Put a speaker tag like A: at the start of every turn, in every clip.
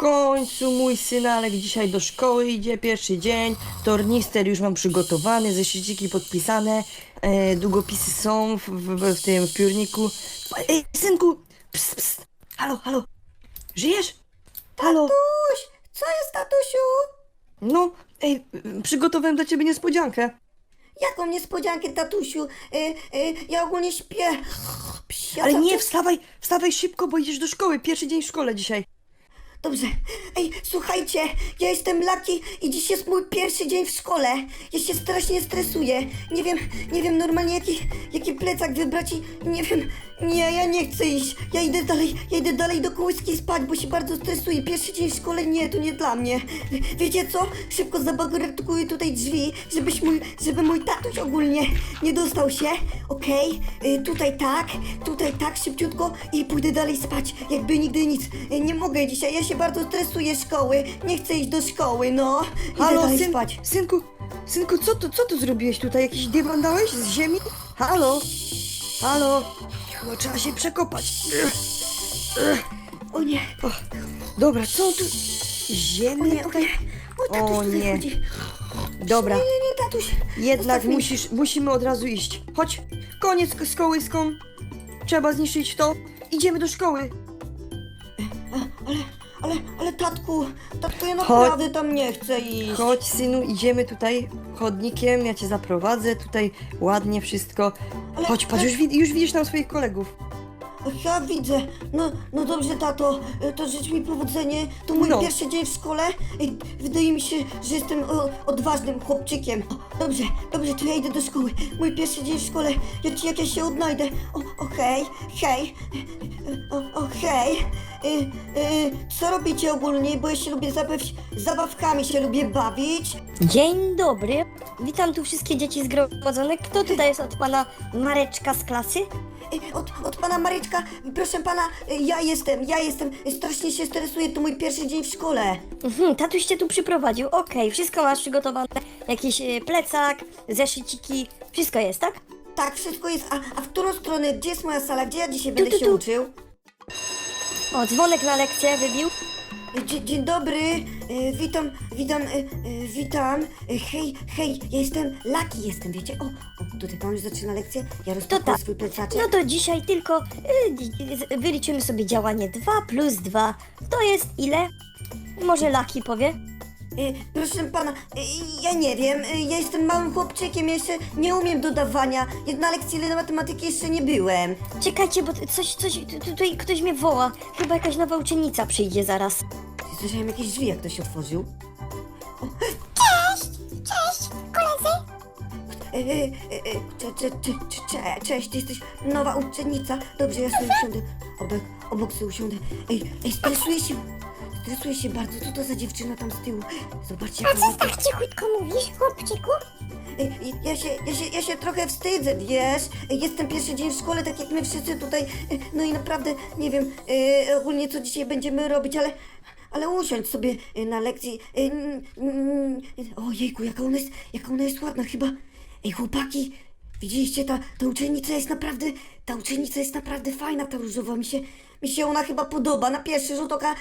A: końcu mój synalek dzisiaj do szkoły idzie, pierwszy dzień. Tornister już mam przygotowany, zeszyciki podpisane, długopisy są w tym piórniku. Ej, synku! Psst, psst. Halo, halo! Żyjesz? Halo!
B: Tatuś! Co jest, tatusiu?
A: No, ej, przygotowałem dla ciebie niespodziankę.
B: Jaką niespodziankę, tatusiu? Ja ogólnie śpię. Psia,
A: Ale nie,
B: tatuś.
A: wstawaj szybko, bo idziesz do szkoły. Pierwszy dzień w szkole dzisiaj.
B: Dobrze. Ej, słuchajcie, ja jestem Lucky i dziś jest mój pierwszy dzień w szkole. Ja się strasznie stresuję. Nie wiem normalnie jaki plecak wybrać i nie wiem. Nie, ja nie chcę iść. Ja idę dalej do kołyski spać, bo się bardzo stresuję. Pierwszy dzień w szkole, nie, to nie dla mnie. Wiecie co? Szybko zabarykaduję tutaj drzwi, żeby mój tatuś ogólnie nie dostał się. Okej? Tutaj tak, szybciutko i pójdę dalej spać, jakby nigdy nic. Nie mogę dzisiaj, ja się bardzo stresuję szkoły. Nie chcę iść do szkoły, no. Idę
A: Halo,
B: dalej spać.
A: synku, co tu zrobiłeś tutaj? Jakiś dywan dałeś z ziemi? Halo? Halo? No, trzeba się przekopać.
B: O nie,
A: Dobra, co tu?
B: o
A: Ziemię
B: nie, o
A: tutaj?
B: nie. O, tatuś
A: O
B: tutaj
A: nie.
B: chodzi.
A: Dobra,
B: Nie, tatuś.
A: jednak
B: Zostaw mnie.
A: musimy od razu iść. Chodź, koniec z kołyską. Trzeba zniszczyć to. Idziemy do szkoły.
B: Ale tatku, ja naprawdę tam nie chcę iść.
A: Chodź, synu, idziemy tutaj chodnikiem, ja cię zaprowadzę, tutaj ładnie wszystko.
B: Ale-
A: Chodź, patrz, już widzisz tam swoich kolegów.
B: Ja widzę. No dobrze, tato, to życz mi powodzenie. To mój
A: No.
B: pierwszy dzień w szkole. Wydaje mi się, że jestem odważnym chłopczykiem. Dobrze, to ja idę do szkoły. Mój pierwszy dzień w szkole. Jak ja się odnajdę. Hej. Hej. Co robicie ogólnie? Bo ja się lubię zabawkami się lubię bawić.
C: Dzień dobry, witam tu wszystkie dzieci zgromadzone. Kto tutaj jest od pana Mareczka z klasy?
B: Od pana Maryczka, proszę pana, ja jestem, strasznie się stresuję, to mój pierwszy dzień w szkole.
C: Tatuś cię tu przyprowadził, okej, wszystko masz przygotowane, jakiś plecak, zeszyciki, wszystko jest, tak?
B: Tak, wszystko jest, a w którą stronę, gdzie jest moja sala, gdzie ja dzisiaj
C: Tu,
B: będę
C: tu,
B: się
C: tu.
B: uczył?
C: O, dzwonek na lekcję wybił.
B: Dzień dobry, witam, hej, ja jestem Lucky, wiecie, tutaj pan już zaczyna lekcję, ja
C: To
B: rozpakuję
C: tak,
B: swój plecaczek.
C: no to dzisiaj tylko wyliczymy sobie działanie 2 plus 2. To jest ile? Może Laki powie?
B: Proszę pana, ja nie wiem, ja jestem małym chłopczykiem, ja jeszcze nie umiem dodawania, na lekcji matematyki jeszcze nie byłem.
C: Czekajcie, bo tutaj ktoś mnie woła. Chyba jakaś nowa uczennica przyjdzie zaraz.
B: Słyszałem jakieś drzwi, jak ktoś otworzył.
C: Cześć, koledzy.
B: Cześć, ty jesteś nowa uczennica. Dobrze, ja sobie usiądę. Obok sobie usiądę. Ej, stresuję się bardzo. Co to za dziewczyna tam z tyłu? Zobaczcie, jaka ładna.
C: tak cichutko mówisz, chłopczyku?
B: Ja się trochę wstydzę, wiesz? Jestem pierwszy dzień w szkole, tak jak my wszyscy tutaj. No i naprawdę nie wiem ogólnie co dzisiaj będziemy robić, ale usiądź sobie na lekcji. Ojejku, jaka ona jest ładna chyba. Ej, chłopaki, widzieliście, ta uczennica jest naprawdę fajna, ta różowa. Mi się ona chyba podoba na pierwszy rzut oka.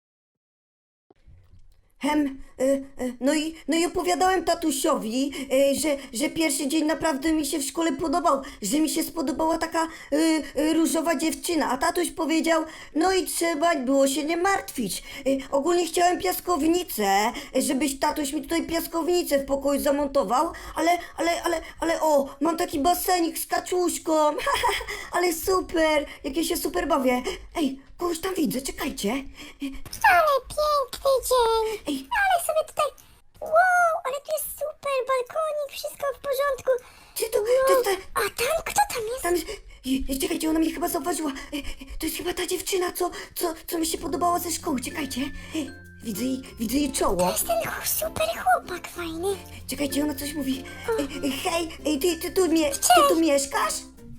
B: No i opowiadałem tatusiowi, że pierwszy dzień naprawdę mi się w szkole podobał, że mi się spodobała taka różowa dziewczyna, a tatuś powiedział, no i trzeba było się nie martwić. Ogólnie chciałem piaskownicę, żebyś tatuś mi tutaj piaskownicę w pokoju zamontował, ale mam taki basenik z kaczuszką, ale super, jak ja się super bawię. Ej, kogoś tam widzę, czekajcie.
D: Ale piękny dzień!
B: Ej,
D: Ale sobie tutaj... Wow, ale tu jest super, balkonik, wszystko w porządku.
B: czy to,
D: A tam, kto tam jest?
B: tam, czekajcie, ona mnie chyba zauważyła. To jest chyba ta dziewczyna, co mi się podobała ze szkoły, czekajcie. Widzę jej czoło.
D: To jest ten super chłopak fajny.
B: Czekajcie, ona coś mówi. Hej, ty tu mieszkasz?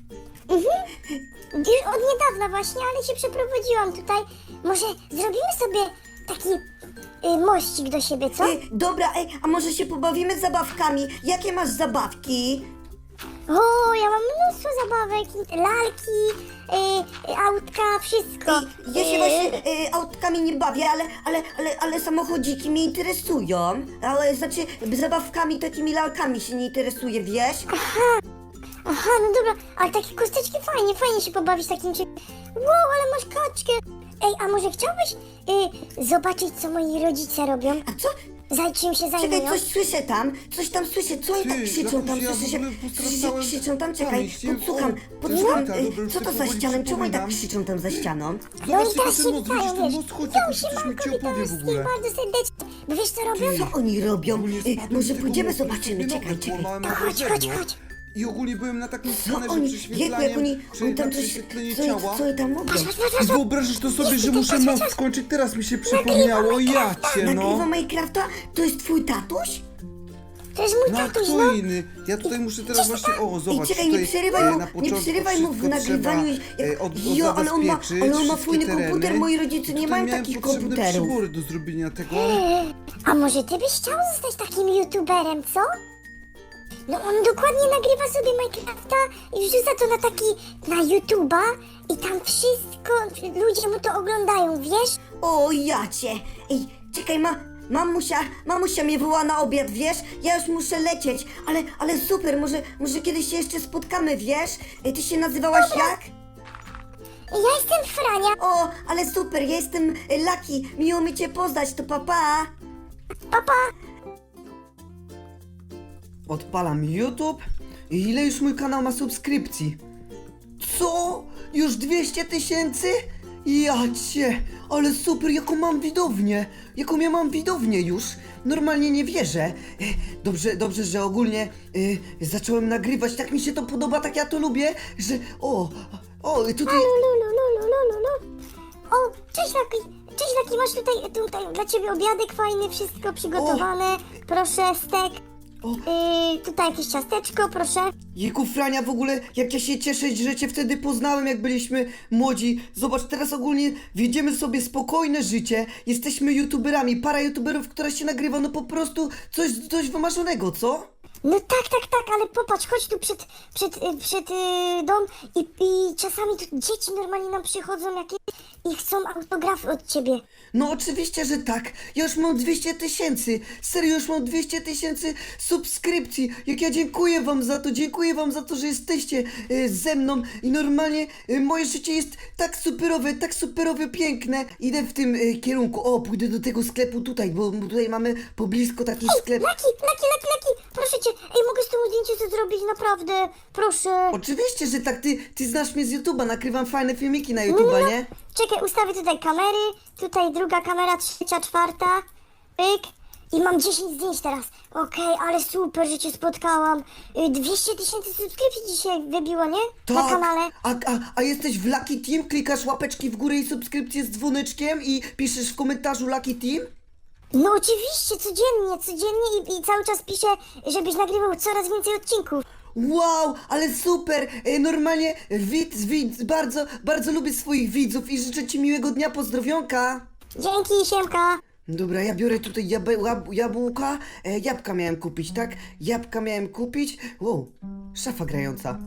D: Już od niedawna właśnie, ale się przeprowadziłam tutaj. Może zrobimy sobie taki mościk do siebie, co?
B: Dobra, a może się pobawimy z zabawkami? Jakie masz zabawki?
D: O, ja mam mnóstwo zabawek, lalki, autka, wszystko.
B: Ja się właśnie autkami nie bawię, ale samochodziki mnie interesują. Ale znaczy zabawkami, takimi lalkami się nie interesuję, wiesz?
D: Aha, no dobra, ale takie kosteczki fajnie się pobawić takim czymś. Wow, ale masz kaczkę. Ej, a może chciałbyś zobaczyć, co moi rodzice robią?
B: A co?
D: Czym się
B: Czekaj,
D: zajmują?
B: coś tam słyszę, co oni tak krzyczą tam,
E: ja
B: słyszę się,
E: w ogóle
B: słyszę się krzyczą tam, czekaj,
E: pamięć, nie?
B: podsłucham,
E: O,
B: podsłucham,
E: dobra, już
B: co to
E: sobie
B: za
E: powoli
B: ścianą, czemu oni tak
E: przypominam.
B: krzyczą tam za ścianą?
D: No i
E: Zobaczcie,
D: teraz
E: ten
D: się
E: most, widzisz
D: witają,
E: ten
D: wiesz.
E: most? Chodź,
D: Jo,
E: jakoś coś mi
D: siemanko,
E: ci
D: witam
E: opowie w
D: wszystkich
E: ogóle.
D: bardzo serdecznie. Bo wiesz co robią?
B: Co oni robią?
E: Ogólnie spadłem
B: Może
E: z tego
B: pójdziemy,
E: mostu,
B: zobaczymy,
E: sobie
B: czekaj,
E: nogę
B: czekaj.
E: połamałem
D: To chodź,
E: naprawdę.
D: chodź.
E: I ogólnie byłem na takim
B: Co
E: skanerze
B: oni,
E: prześwietlaniem,
B: jak oni tam coś,
E: prześwietlenie
B: co
E: ciała.
B: oni tam mówią?
E: I wyobrażasz to sobie, że muszę most skończyć, teraz mi się przypomniało, ja cię no.
B: Nagrywa Minecrafta? To jest twój tatuś?
D: To jest mój
E: No a
D: tatuś,
E: kto
D: no.
E: inny? Ja tutaj muszę teraz właśnie, o
B: Ej,
E: zobacz,
B: czekaj,
E: tutaj
B: nie przerywaj mu,
E: na
B: nie
E: początku
B: przerywaj mu w
E: wszystko
B: nagrywaniu.
E: trzeba,
B: Jo, ale on ma
E: wszystkie
B: fajny komputer,
E: tereny.
B: moi rodzice nie
E: Tutaj
B: mają
E: miałem
B: takich
E: potrzebne
B: komputerów.
E: przybory do zrobienia tego.
D: A może ty byś chciał zostać takim youtuberem, co? No on dokładnie nagrywa sobie Minecrafta i wrzuca to na YouTube'a i tam wszystko, ludzie mu to oglądają, wiesz?
B: O, ja cię. Ej, czekaj, mamusia mnie woła na obiad, wiesz? Ja już muszę lecieć, ale super, może kiedyś się jeszcze spotkamy, wiesz? Ty się nazywałaś jak?
D: Ja jestem Frania.
B: O, ale super, ja jestem Lucky, miło mi cię poznać, to papa.
D: Papa.
F: Odpalam YouTube i ile już mój kanał ma subskrypcji? Co? Już 200 tysięcy? Ja cię, ale super, jaką mam widownię! Jaką ja mam widownię już! Normalnie nie wierzę. Dobrze, że ogólnie zacząłem nagrywać, tak mi się to podoba, tak ja to lubię, że... tutaj...
D: Lulu. O, cześć Laki. Cześć Laki, masz tutaj dla ciebie obiadek fajny, wszystko przygotowane. Proszę, stek. Tutaj jakieś ciasteczko, proszę.
F: Jejku, Frania, w ogóle jak ja się cieszę, że cię wtedy poznałem, jak byliśmy młodzi. Zobacz, teraz ogólnie wiedziemy sobie spokojne życie. Jesteśmy youtuberami, para youtuberów, która się nagrywa, no po prostu coś wymarzonego, co?
D: No tak, ale popatrz, chodź tu przed dom i czasami tu dzieci normalnie nam przychodzą jakieś i chcą autografy od ciebie.
F: No oczywiście, że tak. Ja już mam 200 tysięcy. Serio, już mam 200 tysięcy subskrypcji. Jak ja dziękuję wam za to, że jesteście ze mną i normalnie moje życie jest tak superowe, piękne. Idę w tym kierunku. O, pójdę do tego sklepu tutaj, bo tutaj mamy poblisko taki sklep.
D: Laki, proszę cię, mogę z tym zdjęcie co zrobić, naprawdę, proszę.
F: Oczywiście, że tak. Ty znasz mnie z YouTube'a, nagrywam fajne filmiki na YouTube'a, nie?
D: Czekaj, ustawię tutaj kamery, tutaj druga kamera, trzecia, czwarta, pyk. I mam 10 zdjęć teraz. Okej, ale super, że cię spotkałam. 200 tysięcy subskrypcji dzisiaj wybiło, nie? Na kanale.
F: A jesteś w Lucky Team? Klikasz łapeczki w górę i subskrypcję z dzwoneczkiem i piszesz w komentarzu Lucky Team?
D: No oczywiście, codziennie i cały czas piszę, żebyś nagrywał coraz więcej odcinków.
F: Wow, ale super! Normalnie bardzo lubię swoich widzów i życzę ci miłego dnia, pozdrowionka!
D: Dzięki, siemka.
F: Dobra, ja biorę tutaj jabłka. Jabłka miałem kupić, tak? Jabłka miałem kupić. Wow, szafa grająca.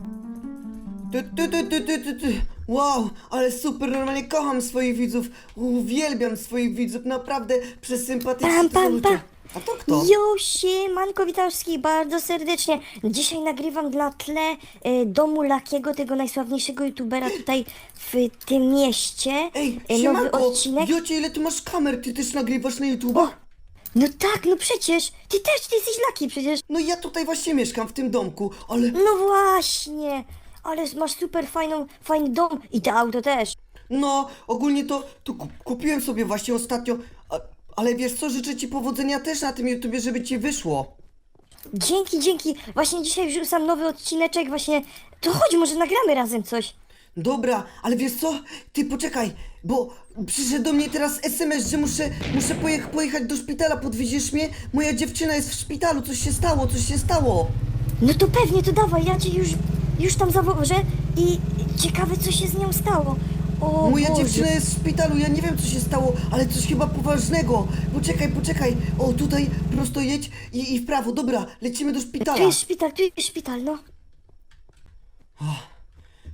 F: Wow, ale super, normalnie kocham swoich widzów. Uwielbiam swoich widzów, naprawdę przesympatyczni to są ludzie. A to kto?
C: Jo, siemanko, witam wszystkich bardzo serdecznie. Dzisiaj nagrywam na tle domu Lakiego, tego najsławniejszego youtubera tutaj w tym mieście.
F: Ej,
C: Nowy
F: siemanko,
C: odcinek.
F: Jocie, ile ty masz kamer? Ty też nagrywasz na YouTube'a?
C: No tak, no przecież, ty jesteś Laki przecież.
F: No ja tutaj właśnie mieszkam, w tym domku, ale...
C: No właśnie, ale masz super fajny dom i to auto też.
F: No, ogólnie to kupiłem sobie właśnie ostatnio, ale wiesz co, życzę ci powodzenia też na tym YouTubie, żeby ci wyszło.
C: Dzięki, właśnie dzisiaj wrzucam nowy odcineczek, właśnie, to chodź, może nagramy razem coś.
F: Dobra, ale wiesz co? Ty poczekaj, bo przyszedł do mnie teraz SMS, że muszę pojechać do szpitala, podwieziesz mnie? Moja dziewczyna jest w szpitalu, coś się stało.
C: No to pewnie, to dawaj, ja cię już tam zawożę i ciekawe co się z nią stało. O
F: Moja
C: Boże.
F: dziewczyna jest w szpitalu, ja nie wiem co się stało, ale coś chyba poważnego. Poczekaj. O, tutaj prosto jedź i w prawo, dobra, lecimy do szpitala.
C: Tu jest szpital, no.
F: O,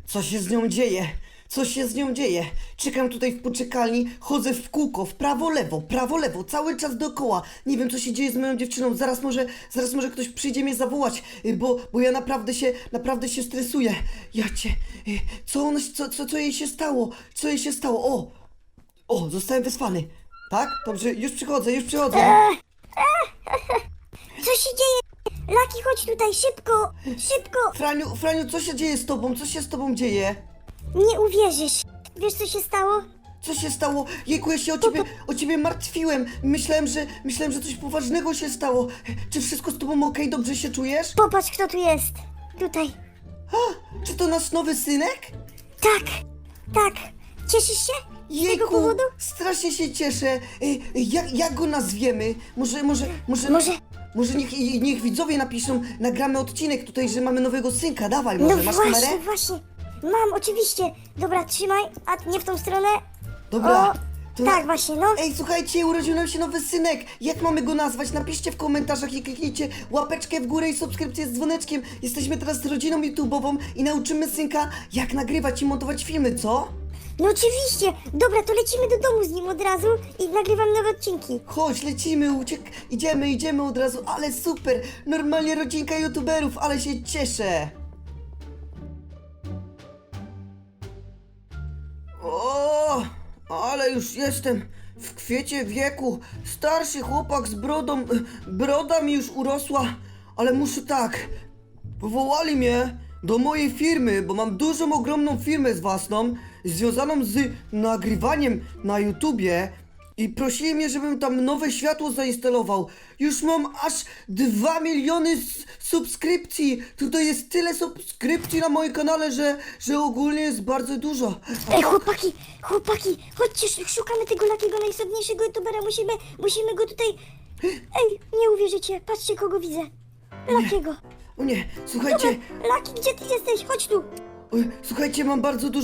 F: Co się z nią dzieje? Co się z nią dzieje? Czekam tutaj w poczekalni, chodzę w kółko, w prawo, lewo, cały czas dookoła. Nie wiem, co się dzieje z moją dziewczyną. Zaraz może ktoś przyjdzie mnie zawołać, bo ja naprawdę się stresuję. Ja cię... Co jej się stało? Co jej się stało? O, zostałem wysłany. Tak? Dobrze, już przychodzę.
D: Co się dzieje? Laki, chodź tutaj, szybko, szybko.
F: Franiu, co się dzieje z tobą? Co się z tobą dzieje?
D: Nie uwierzysz. Wiesz, co się stało?
F: Co się stało? Jejku, ja się o ciebie martwiłem. Myślałem, że coś poważnego się stało. Czy wszystko z tobą okej? Dobrze się czujesz?
D: Popatrz, kto tu jest. Tutaj.
F: Czy to nasz nowy synek?
D: Tak. Cieszysz się? Z tego
F: Jejku,
D: powodu?
F: strasznie się cieszę. Jak go nazwiemy? Może niech widzowie napiszą, nagramy odcinek tutaj, że mamy nowego synka. Dawaj, może, masz kamerę?
D: Właśnie. Mam, oczywiście. Dobra, trzymaj. A nie w tą stronę.
F: Dobra.
D: O,
F: to
D: tak, właśnie, no.
F: Ej, słuchajcie, urodził nam się nowy synek. Jak mamy go nazwać? Napiszcie w komentarzach i kliknijcie łapeczkę w górę i subskrypcję z dzwoneczkiem. Jesteśmy teraz rodziną YouTube'ową i nauczymy synka, jak nagrywać i montować filmy, co?
D: No oczywiście. Dobra, to lecimy do domu z nim od razu i nagrywam nowe odcinki.
F: Chodź, lecimy, idziemy od razu, ale super. Normalnie rodzinka YouTuberów, ale się cieszę. O, ale już jestem w kwiecie wieku. Starszy chłopak z brodą. Broda mi już urosła, ale muszę tak. Powołali mnie do mojej firmy, bo mam dużą, ogromną firmę własną, związaną z nagrywaniem na YouTubie. I prosili mnie, żebym tam nowe światło zainstalował. Już mam aż 2 miliony subskrypcji. Tutaj jest tyle subskrypcji na moim kanale, że ogólnie jest bardzo dużo.
D: Ej, chłopaki, chodźcie, szukamy tego Lakiego, najsłabniejszego youtubera, musimy go tutaj... Ej, nie uwierzycie, patrzcie, kogo widzę. Lakiego.
F: O nie, słuchajcie,
D: Laki, gdzie ty jesteś? Chodź tu.
F: słuchajcie, mam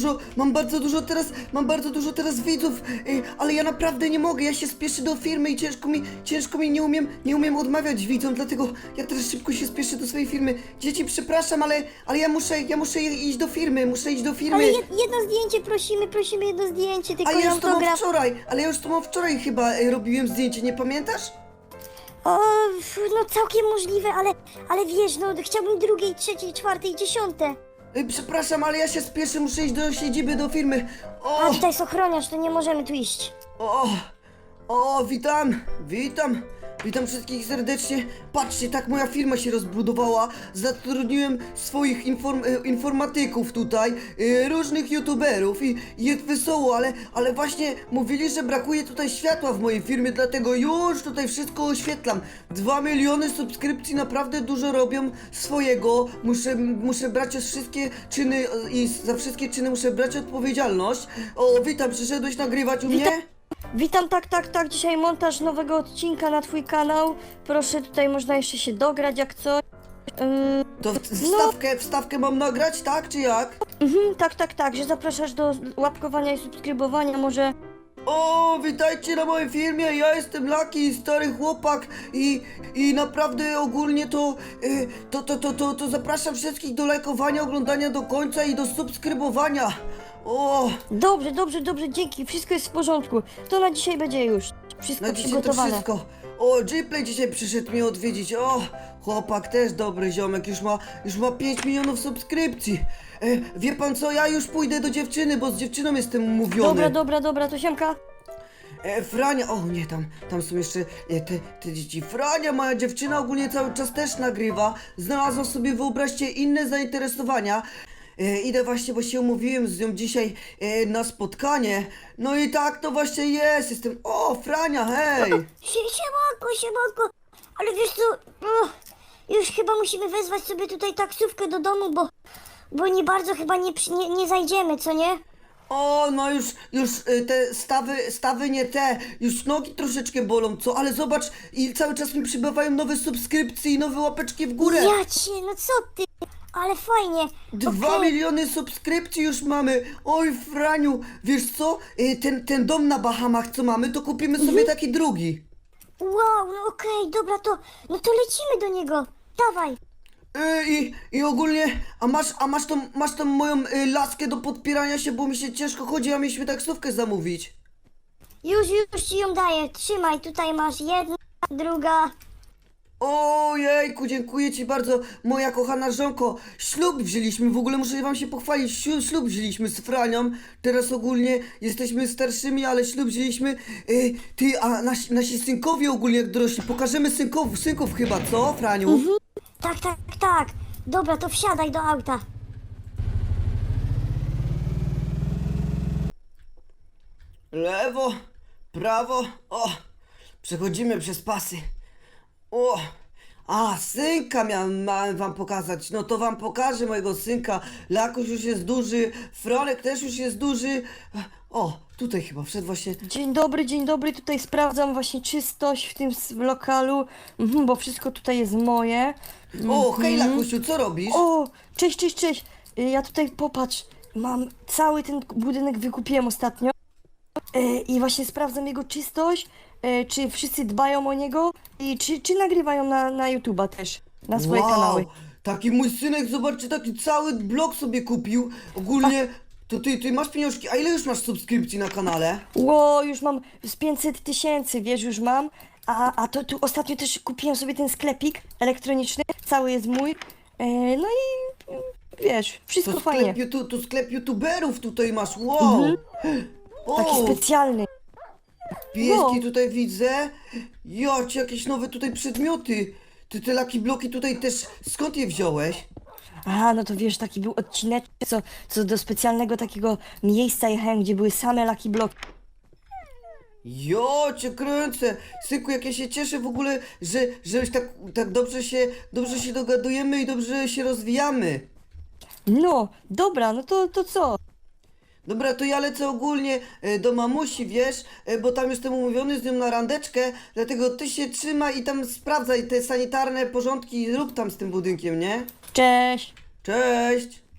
F: bardzo dużo teraz widzów, ale ja naprawdę nie mogę, ja się spieszę do firmy i ciężko mi, nie umiem odmawiać widzom, dlatego ja teraz szybko się spieszę do swojej firmy. Dzieci, przepraszam, ale ja muszę iść do firmy,
D: Ale jedno zdjęcie prosimy jedno zdjęcie, tylko
F: Ale ja
D: na
F: już to mam
D: autograf.
F: wczoraj chyba robiłem zdjęcie, nie pamiętasz?
D: O, no całkiem możliwe, ale wiesz, no chciałbym drugiej, trzeciej, czwartej, dziesiąte.
F: Przepraszam, ale ja się spieszę, muszę iść do siedziby, do firmy.
D: A tutaj jest ochroniarz, to nie możemy tu iść.
F: Witam wszystkich serdecznie. Patrzcie, tak moja firma się rozbudowała. Zatrudniłem swoich informatyków tutaj, różnych youtuberów i jest wesoło, ale właśnie mówili, że brakuje tutaj światła w mojej firmie, dlatego już tutaj wszystko oświetlam. 2 miliony subskrypcji naprawdę dużo robią swojego. Muszę brać wszystkie czyny i za wszystkie czyny muszę brać odpowiedzialność. O, witam, przyszedłeś nagrywać u mnie?
C: Witam, tak, dzisiaj montaż nowego odcinka na twój kanał. Proszę, tutaj można jeszcze się dograć jak coś.
F: To wstawkę mam nagrać, tak czy jak?
C: Tak, że zapraszasz do łapkowania i subskrybowania, może...
F: O, witajcie na mojej filmie, ja jestem Laki, stary chłopak i naprawdę ogólnie to zapraszam wszystkich do lajkowania, oglądania do końca i do subskrybowania. O,
C: Dobrze, dzięki, wszystko jest w porządku. To na dzisiaj będzie już wszystko
F: na dzisiaj to
C: przygotowane.
F: wszystko. O, Gplay dzisiaj przyszedł mnie odwiedzić, o, chłopak też dobry ziomek, już ma 5 milionów subskrypcji. Wie pan co, ja już pójdę do dziewczyny, bo z dziewczyną jestem umówiony.
C: Dobra, to siemka.
F: Frania, o nie, tam są jeszcze te dzieci. Frania, moja dziewczyna ogólnie cały czas też nagrywa. Znalazła sobie, wyobraźcie, inne zainteresowania. Idę właśnie, bo się umówiłem z nią dzisiaj na spotkanie. No i tak to właśnie jest, O, Frania, hej!
D: Siemanko, ale wiesz co, już chyba musimy wezwać sobie tutaj taksówkę do domu, bo nie bardzo chyba nie zajdziemy, co nie?
F: O, no już te stawy nie te, już nogi troszeczkę bolą, co? Ale zobacz, i cały czas mi przybywają nowe subskrypcje i nowe łapeczki w górę.
D: Ja cię, no co ty? Ale fajnie.
F: 2 miliony subskrypcji już mamy. Oj, Franiu, wiesz co? Ten dom na Bahamach, co mamy, to kupimy sobie taki drugi.
D: Wow, no okej, dobra, no to lecimy do niego. Dawaj.
F: I ogólnie, masz tą moją laskę do podpierania się, bo mi się ciężko chodzi, a mieliśmy taksówkę zamówić.
D: Już ci ją daję. Trzymaj, tutaj masz jedna, druga.
F: Ojejku, dziękuję ci bardzo, moja kochana żonko. Ślub wzięliśmy, w ogóle muszę wam się pochwalić, ślub wzięliśmy z Franią. Teraz ogólnie jesteśmy starszymi, ale ślub wzięliśmy. A nasi synkowie ogólnie jak dorośli, pokażemy synków chyba, co, Franiu?
D: Tak. Dobra, to wsiadaj do auta.
F: Lewo, prawo, przechodzimy przez pasy. Synka miałem wam pokazać, no to wam pokażę mojego synka. Lakuś już jest duży, Franek też już jest duży. Tutaj chyba wszedł właśnie.
A: Dzień dobry, tutaj sprawdzam właśnie czystość w tym lokalu, bo wszystko tutaj jest moje.
F: Hej Lakusiu, co robisz?
A: Cześć. Ja tutaj, popatrz, mam cały ten budynek wykupiłem ostatnio i właśnie sprawdzam jego czystość, czy wszyscy dbają o niego i czy nagrywają na YouTube'a też, na swoje kanały.
F: Taki mój synek, zobaczcie, taki cały blok sobie kupił. Ogólnie, to ty masz pieniążki, a ile już masz subskrypcji na kanale?
A: Już mam z 500 000, wiesz, już mam. A to tu ostatnio też kupiłem sobie ten sklepik elektroniczny, cały jest mój. No i wiesz, wszystko fajnie.
F: To sklep youtuberów tutaj masz, wow!
A: Taki specjalny.
F: Pieski tutaj widzę. Jocie, jakieś nowe tutaj przedmioty. Ty te Lucky Bloki tutaj też, skąd je wziąłeś?
A: No to wiesz, taki był odcinek, co do specjalnego takiego miejsca jechałem, gdzie były same Lucky Bloki.
F: Jocie, kręcę. Synku, jak ja się cieszę w ogóle, że tak dobrze się dogadujemy i dobrze się rozwijamy.
A: No, dobra, no to co?
F: Dobra, to ja lecę ogólnie do mamusi, wiesz, bo tam jestem umówiony z nią na randeczkę, dlatego ty się trzymaj i tam sprawdzaj te sanitarne porządki, rób tam z tym budynkiem, nie?
A: Cześć!
F: Cześć!